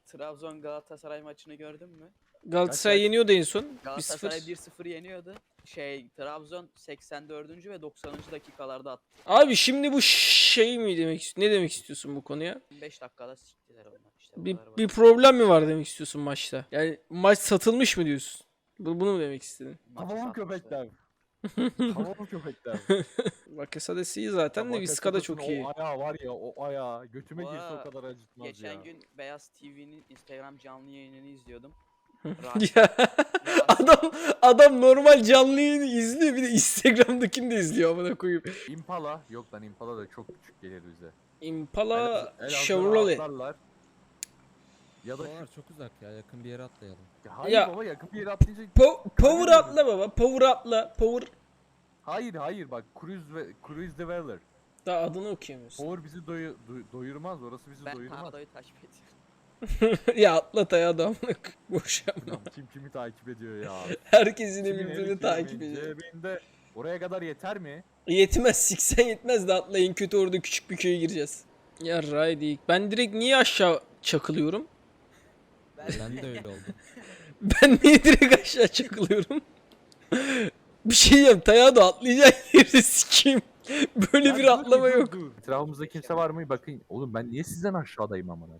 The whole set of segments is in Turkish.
Trabzon Galatasaray maçını gördün mü? Galatasaray yeniyordu en son. Galatasaray 1-0. 1-0 yeniyordu. Trabzon 84. ve 90. dakikalarda attı. Abi şimdi bu şey mi demek istiyorsun? Ne demek istiyorsun bu konuya? 5 dakikada siktiler onlar işte. Bu Bir, kadar bir basit. problem mi var demek istiyorsun maçta? Yani maç satılmış mı diyorsun? Bunu mu demek istedin? Maçı Tamam satmışlar. köpekler. Tamam köpekler. Bakasetas iyi zaten de Vizca da çok iyi. O ayağı var ya, o ayağı götüme Bu girse ara o kadar acıtmaz ya. Geçen gün Beyaz TV'nin Instagram canlı yayınını izliyordum. Ya adam normal canlı yayını izliyor, bir de Instagram'dakini de izliyor amına koyayım. Impala, yok lan Impala da çok küçük gelir bize. Impala Elazığ'a Chevrolet. atlarlar. Ya da Oralar çok uzak ya, yakın bir yere atlayalım. hayır Ya- baba, yakın bir yere atlayınca Power atla baba. Power atla. Power. hayır bak, Cruise the Weller. Daha adını okuyamıyorsun. Power bizi doyurmaz, orası bizi ben doyurmaz. Tarado'yu takip ediyorum. Ya atlat ya adam. Boş yapma. Lan kim kimi takip ediyor ya? Herkesin Kimin birbirini eli takip kimin ediyor. cebinde. Oraya kadar yeter mi? Yetmez, 80 yetmez de atlayın, kötü orada küçük bir köye gireceğiz. Ya Raydik. Ben direkt niye aşağı çakılıyorum? Ben de öyle oldu. Ben niye direkt aşağı çakılıyorum? Bir şey diyeyim, Tayağı da atlayacak yeri sikeyim. Böyle Lan bir dur, atlama dur, yok. dur. Etrafımızda kimse var mı? Bakın oğlum, ben niye sizden aşağıdayım amına?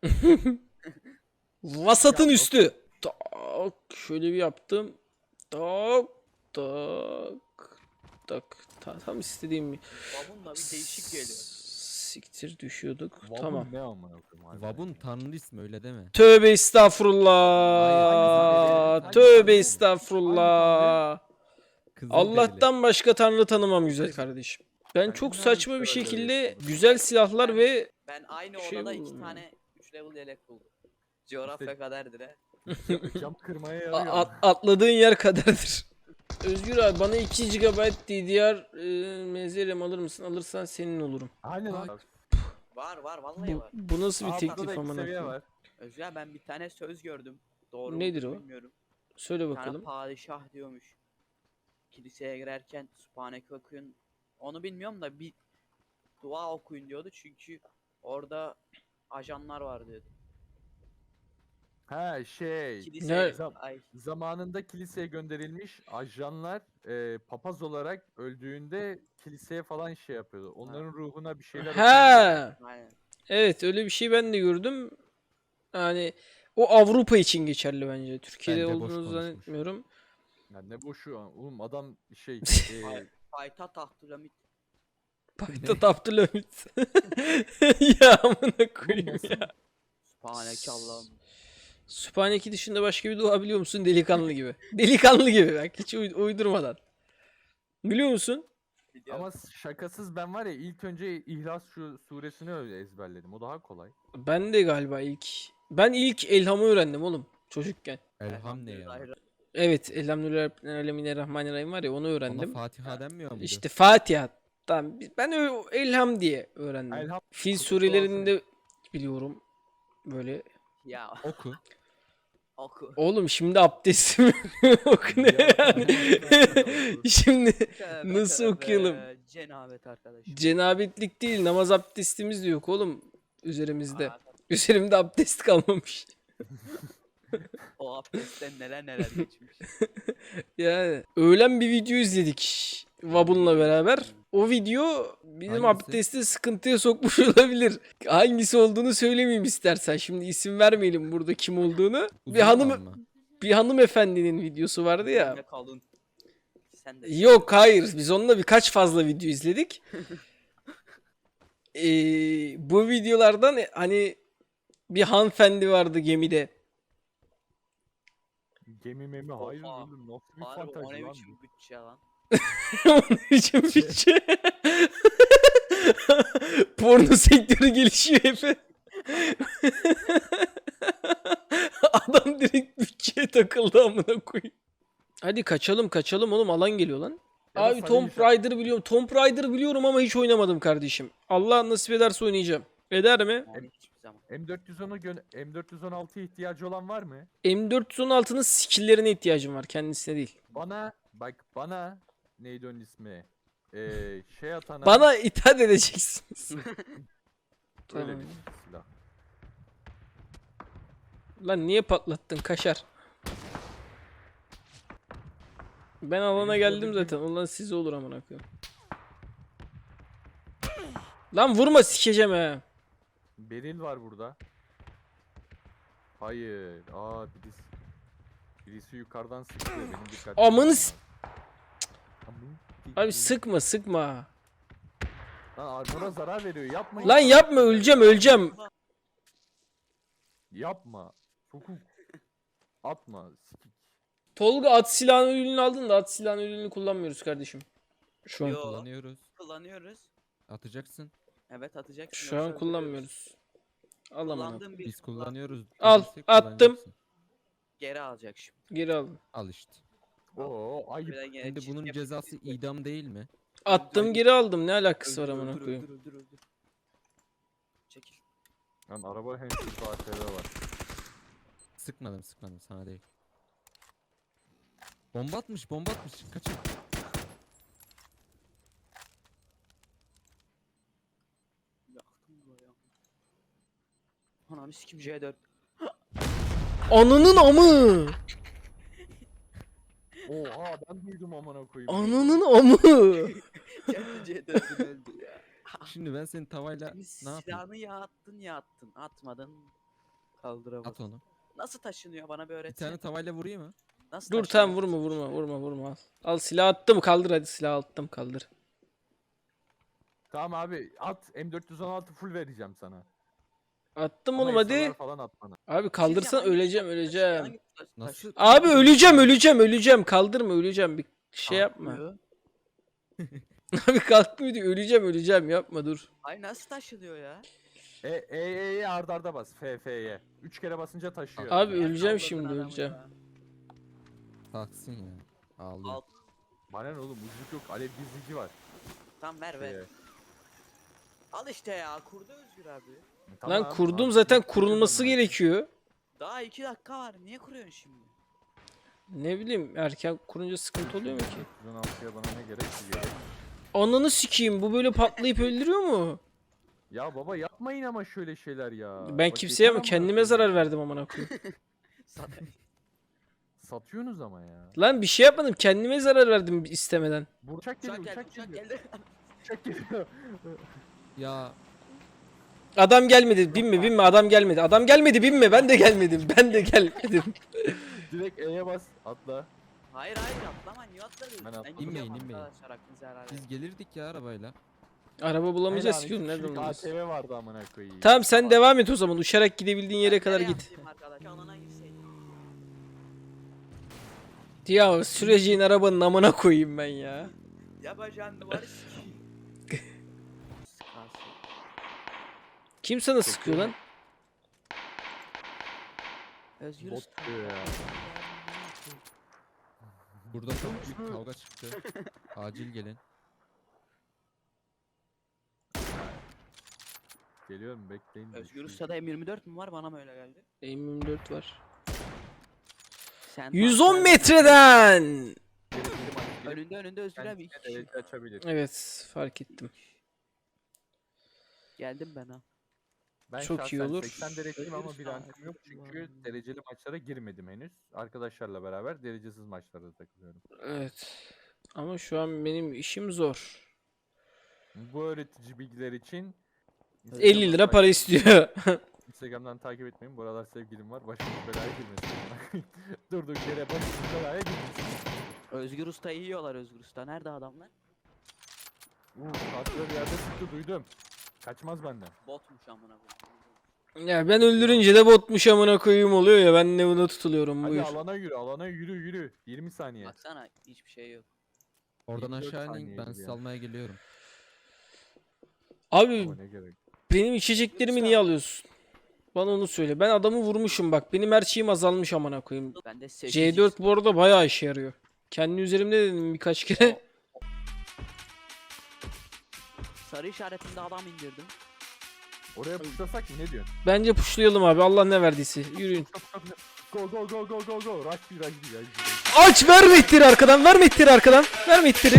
Vasatın Ya, üstü. Tak, şöyle bir yaptım. Tak, tak, tak. Tam istediğim bir. Babunla bir değişik geliyor. Siktir düşüyorduk. Vabun Tamam. ne amına koyayım harbiden. Vabun tanrı ismi, öyle deme. Tövbe estağfurullah. Hayır, Tövbe hangi estağfurullah. Kızılderili. Allah'tan başka tanrı tanımam güzel kardeşim. Ben Sen çok kimden saçma bir bir şeyler şekilde görüyorsun? güzel silahlar ve Ben aynı Şey odada buldum 2 ya. tane 3 level yelek buldum. Coğrafya kaderdir he. Cam kırmaya a- yarıyor. atladığın yer kadardır. Özgür abi bana 2 GB DDR MZRM alır mısın? Alırsan senin olurum. Hani lan. Var vallahi var. Bu nasıl bir Altta da teklif iki amına seviye koyayım? var. Özgür ben bir tane söz gördüm. Doğru mu Nedir o? bilmiyorum. Söyle Bir tane bakalım. padişah diyormuş. Kiliseye girerken Sübhaneke okuyun. Onu bilmiyorum da bir dua okuyun diyordu çünkü orada ajanlar var diyordu. Ha şey. Kiliseye Ne? ay Zamanında kiliseye gönderilmiş ajanlar papaz olarak öldüğünde kiliseye falan şey yapıyordu. Onların ruhuna bir şeyler okuyordu. Ha, aynen. evet öyle bir şey ben de gördüm. Yani o Avrupa için geçerli bence. Türkiye'de Bence boş olduğunu konuşmuş. zannetmiyorum. Ya ne boşu oğlum, adam şey Payitaht Abdülhamit. Payitaht Abdülhamit. Ya amına koyayım nasıl? ya. Sübhaneke Allah'ım. Sübhaneke dışında başka bir dua biliyor musun? Delikanlı gibi. Delikanlı gibi bak, hiç uydurmadan. Biliyor musun? Biliyorum. ama şakasız, ben var ya ilk önce İhlas suresini öyle ezberledim. O daha kolay. Ben de galiba ilk Elham'ı öğrendim oğlum çocukken. Elham ne ya? Elhamdülillah. Evet, Elhamdülillahirrahmanirrahim var ya, onu Ona öğrendim. Fatiha denmiyor muydu? İşte Fatiha. Tamam, ben Elham diye öğrendim. Elham Fil kutusu surelerinde biliyorum böyle. Ya Oku. oku. Oğlum şimdi abdestim oku ne yani? Şimdi Tövbe nasıl tövbe, okuyalım? Cenabet arkadaşım. Cenabetlik değil, namaz abdestimiz de yok oğlum üzerimizde. Aa, Üzerimde abdest kalmamış. o abdestten neler geçmiş. Yani öğlen bir video izledik Vabun'la beraber. O video bizim Hangisi? abdesti sıkıntıya sokmuş olabilir. Hangisi olduğunu söylemeyeyim istersen. Şimdi isim vermeyelim burada kim olduğunu. Uzun olan mı? Bir hanımefendinin videosu vardı ya. Ne kalın. Sen de Yok hayır, biz onunla birkaç fazla video izledik. Bu videolardan hani bir hanımefendi vardı gemide. Gemi memi, hayır Oha. oğlum, nasıl bir Harbi o fantazi ne lan biçim bu? bütçe lan. Onun için bütçe. Porno sektörü gelişiyor hep. Adam direkt bütçeye takıldı amına koyayım. Hadi kaçalım oğlum, alan geliyor lan. Ya da Abi sarı Tomb inşaat- Raider biliyorum. Tomb Raider biliyorum ama hiç oynamadım kardeşim. Allah nasip ederse oynayacağım. Eder mi? Yani hiçbir zaman. M416'ya ihtiyacı olan var mı? M416'nın skill'lerine ihtiyacım var, kendisine değil. Bana neydi onun ismi? Şey atana Bana itaat edeceksiniz. öyle Tamam. bir silah. Lan niye patlattın kaşar? Ben alana geldim zaten. Ulan size olur amına koyayım. Lan vurma sikeceğim he. Beril var burada. Hayır. Birisi yukarıdan sıktı. Benim dikkatim. Amanı s- Amın Abi sikeyim. sıkma. Lan armora zarar veriyor. Yapmayın. Lan yapma öleceğim. Yapma. Sokuk. Atma. Sikik. Tolga at silahını ürünü aldın da at silahını ürünü kullanmıyoruz kardeşim. Şu an. Yo. Kullanıyoruz. Kullanıyoruz. Atacaksın. Evet atacaksın. Şu yoksa an öldürüyoruz. kullanmıyoruz. Al amına. Kullandığım bir Biz kullanıyoruz. Al, Bilirsek attım. kullanacaksın. Geri alacak şimdi. Geri al. Al işte. Oo ayıp. Bir de gene Şimdi çift bunun yapıp cezası çift idam değil mi? Attım geri aldım. Ne alakası var Öldür, amına öldür, koyayım. öldür. Çekil. Lan araba hem şu ATV var. Sıkmadım sana değil. Bomba atmış. Kaçın. Yaktım burayı. Ananı sikim C4. Ananın amı. Oha ben duydum amına koyayım. Ananın amı. Kendi C4'ünü öldü ya. Şimdi ben senin tavayla Senin ne yapayım? silahını ya attın. Atmadın. Kaldıramadın. At onu. Nasıl taşınıyor bana bir Bir öğretsene. tane tavayla vurayım mı? Nasıl Dur taşınıyor? tamam vurma al. Al silah attım kaldır hadi silah attım kaldır. Tamam abi at M416 full vereceğim sana. Attım Ama oğlum hadi. SLR falan at bana. Abi kaldırsan Hangi öleceğim taş- öleceğim. hangi taş- Nasıl? Abi öleceğim kaldırma öleceğim bir şey yapma. Kalkmıyor. Abi kalkmıyor diyor öleceğim yapma dur. Ay nasıl taşınıyor ya? E'ye arda bas. F'ye. 3 kere basınca taşıyor. Abi Niye öleceğim kaldırdın şimdi adamı öleceğim. ya? Kalksın ya. Ağlıyor. Al. Bana ne oğlum ucuk yok. Alev gizlici var. Tamam ver ver. Şeye. Al işte ya kurdu Özgür abi. Lan Tamam, kurdum abi, zaten kuruyorum kurulması ben. gerekiyor. Daha 2 dakika var. Niye kuruyorsun şimdi? Ne bileyim erken kurunca sıkıntı oluyor mu ki? 416'ya bana ne gerek ki gerek. Ananı sikeyim bu böyle patlayıp öldürüyor mu? Ya baba yapmayın ama şöyle şeyler ya. Ben Bak kimseye yeter ama amına kendime koyayım. zarar verdim amına koyayım. Satıyorsunuz ama ya. Lan bir şey yapmadım kendime zarar verdim istemeden. Bu uçak geliyor, Uçak geldi, uçak uçak geliyor. geldi. Uçak geliyor. Ya Adam gelmedi binme adam gelmedi binme ben de gelmedim Direkt E'ye bas, atla. Hayır atlama niye atladın? Ben atladım. gidiyorum İnmeyin. arkadaşlar aklınızı helal edin. biz gelirdik ya arabayla. Araba bulamayacağız Helal, ki iki nereden kişilik bulacağız? ATV vardı amına koyayım. Tamam sen devam et o zaman uçarak gidebildiğin yere Ben kadar nereye git. atlayayım arkadaş? Alana girseydim. Ya süreceğin arabanın amına koyayım ben ya. Yapacağın duvarı sikeyim. Sıkarsın. Kim sana sıkıyor lan? Özgür Bot Usta. diyor ya. Burada çok büyük kavga çıktı. Acil gelin. Geliyorum bekleyin. Özgür Usta'da M24 mü var bana mı öyle geldi? M24 var. Sen 110 metreden. Önünde Özgür abi iki kişi. Evet açabilir. Evet fark ettim. Geldim ben ha. Ben Çok iyi şahsen olur. 80 dereceyim ama Özgür bir Usta. rankım yok çünkü dereceli maçlara girmedim henüz. Arkadaşlarla beraber derecesiz maçlarda takılıyorum. Evet. Ama şu an benim işim zor. Bu öğretici bilgiler için 50 lira para istiyor. Instagram'dan takip etmeyin. Bu aralar sevgilim var. Başımız belaya girmesin. Durduk yere başımız belaya girmesin. Özgür Usta yiyorlar Özgür Usta. Nerede adamlar? Kontrol yerde sıktı duydum. Kaçmaz benden. Botmuş amına koyayım. Ya ben öldürünce de botmuş amına koyayım oluyor ya ben ne buna tutuluyorum Hadi buyur. alana yürü. 20 saniye. Baksana hiçbir şey yok. Oradan 24 aşağı inin saniyeydi ben ya. sizi almaya geliyorum. Abi Ama ne gerek. benim içeceklerimi niye alıyorsun? Bana onu söyle. Ben adamı vurmuşum bak. Benim her şeyim azalmış amına koyayım. Ben de 8 C4 bu arada bayağı işe yarıyor. Kendi üzerimde dedim birkaç kere. sarı işaretinde adam indirdim. Oraya puşlasak mı ne diyorsun? Bence pushlayalım abi. Allah ne verdiyse. Yürüyün. Go. Rush bir. Aç verme ittiri arkadan. Verme ittiri arkadan. Verme ittiri.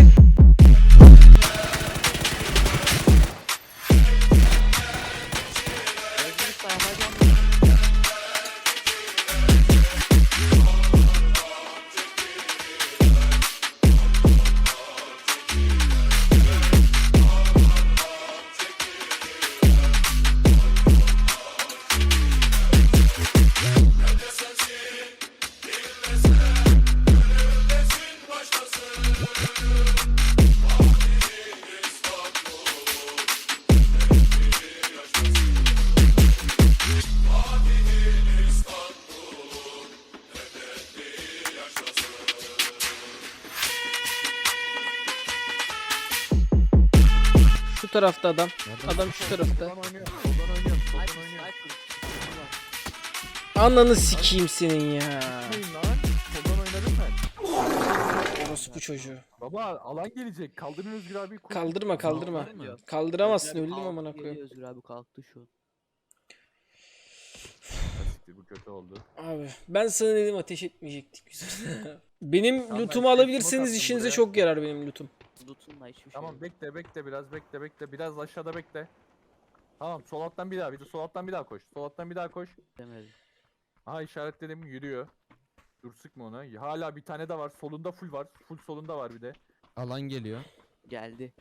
Özgür Usta yapacağım. tarafta adam. Nereden? Adam şu tarafta. Soldan oynuyor. Soldan oynuyor. Soldan Sniper, oynuyor. sniper. Ananı sikeyim senin ya. Gitmeyin lan. Soldan oynarım ben. Orospu çocuğu. Baba alan gelecek. Kaldırın Özgür abi. koş. Kaldırma kaldırma. Kaldırın diyor. Kaldıramazsın Özgür abi öldüm kalktı amına geliyor, koyayım. Özgür abi kalktı şu an. Siktir, bu kötü oldu. Abi ben sana dedim ateş etmeyecektik güzel. Benim Tamam, lootumu ben smoke alabilirseniz attım işinize buraya. çok yarar benim lootum. Loot'unla hiçbir şey Tamam yok. bekle biraz bekle. Biraz aşağıda bekle. Tamam sol alttan bir daha. Bir de sol alttan bir daha koş. Sol alttan bir daha koş. Demedim. Aha işaretledim yürüyor. Dur sıkma ona. Hala bir tane de var. Solunda full var. Full solunda var bir de. Alan geliyor. Geldi.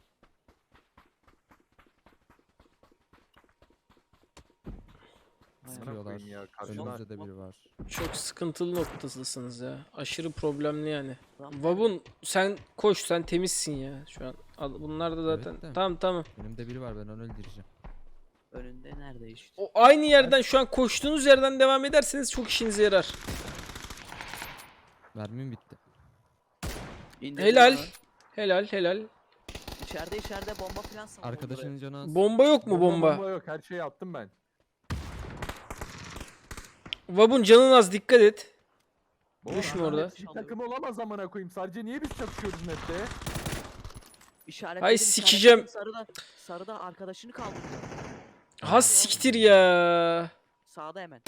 Vay Sana Sıkıyorlar. koyayım ya, karşına- Önümüzde de biri var. Çok sıkıntılı noktasısınız ya. Aşırı problemli yani. Adam- Vabun sen koş sen temizsin ya şu an. Bunlar da zaten. Evet de. Tamam tamam. Önümde biri var, ben onu öldüreceğim. Önünde nerede işte? O aynı yerden şu an koştuğunuz yerden devam ederseniz çok işinize yarar. Mermim bitti. İndirdim Helal. onu. Helal helal. İçeride bomba falan sandım. Arkadaşının canı az. Bomba yok mu bomba? yok. Her şeyi attım ben. Vabun canın az dikkat et. Baba, Düşme bunlar orada. hepsi Bir takım olamaz amına koyayım. Sadece niye biz çatışıyoruz nette? İşaretledim, Ay, işaretledim. sikeceğim. Sarıda arkadaşını kaldırdı. Ha siktir ya. Sağda hemen.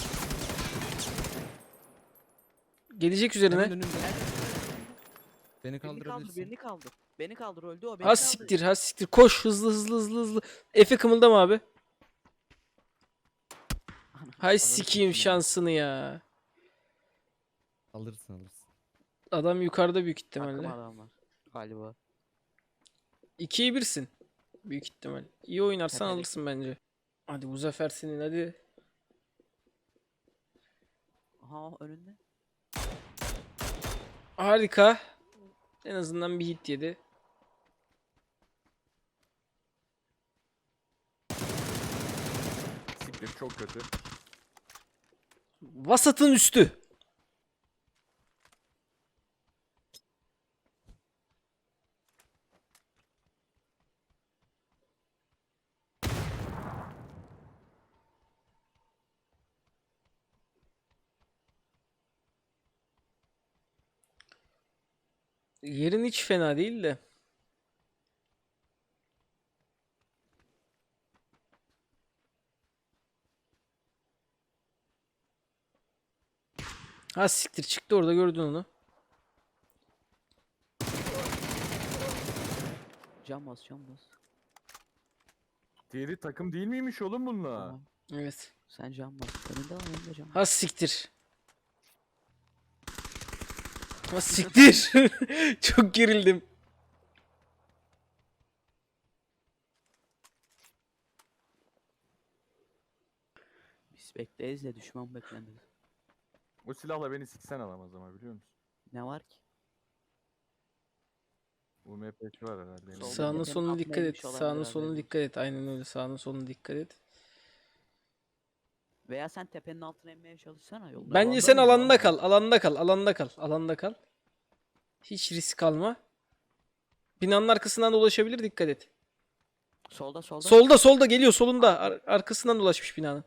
Gelecek Hemen üzerine. önümde. Beni Birini kaldır, kaldırabilirsin. birini kaldır. Beni kaldır, öldü o. Beni Ha kaldır. siktir ha siktir. Koş hızlı hızlı hızlı hızlı. Efe kımıldama abi. Hay sikeyim şansını ya. Alırsın alırsın. Adam yukarıda büyük Takım ihtimalle. adamlar galiba. 2'ye 1'sin. Büyük ihtimal. İyi oynarsan Tepedeki. alırsın bence. Hadi bu zafer senin hadi. Aha önünde. Harika. En azından bir hit yedi. Siktir çok kötü. Vasatın üstü. Yerin hiç fena değil de. Ha siktir çıktı orada gördün onu. Can bas, can bas. Diğeri takım değil miymiş oğlum bununla? Tamam. Evet. Sen can bas. Önünde var, önünde can bas. Ha siktir. Ha siktir. Çok gerildim. Biz bekleyiz de düşman beklemez. O silahla beni siksen alamaz ama biliyor musun? Ne var ki? UMP'si var herhalde. Solda Sağına tepenin soluna dikkat altına et. inmiş olabilir, Sağına soluna haberin dikkat et. Aynen öyle. Sağına soluna dikkat et. Veya sen tepenin altına inmeye çalışsana yolda. Bence Alanda sen mıyım alanda lan kal. Alanda kal. Alanda kal. Alanda kal. Hiç risk alma. Binanın arkasından dolaşabilir. Dikkat et. Solda solda. Solda solda geliyor solunda. Arkasından dolaşmış binanın.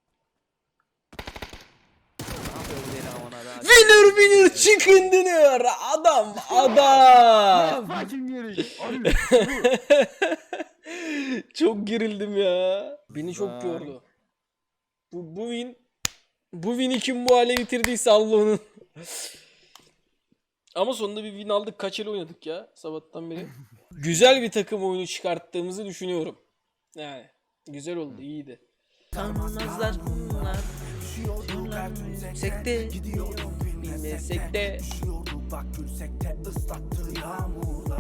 Ne yapıyor bu yine amına da? Winner chicken dinner. Adam adam. Fucking yeri. Çok gerildim ya. Beni çok Bak. yordu. Bu win'i kim bu hale getirdiyse Allah onun. Ama sonunda bir win aldık. Kaç el oynadık ya sabahtan beri. Güzel bir takım oyunu çıkarttığımızı düşünüyorum. Yani güzel oldu, iyiydi. Tanımazlar bunlar. Yüksekte bilmesek de Bak gülsek de ıslattı yağmur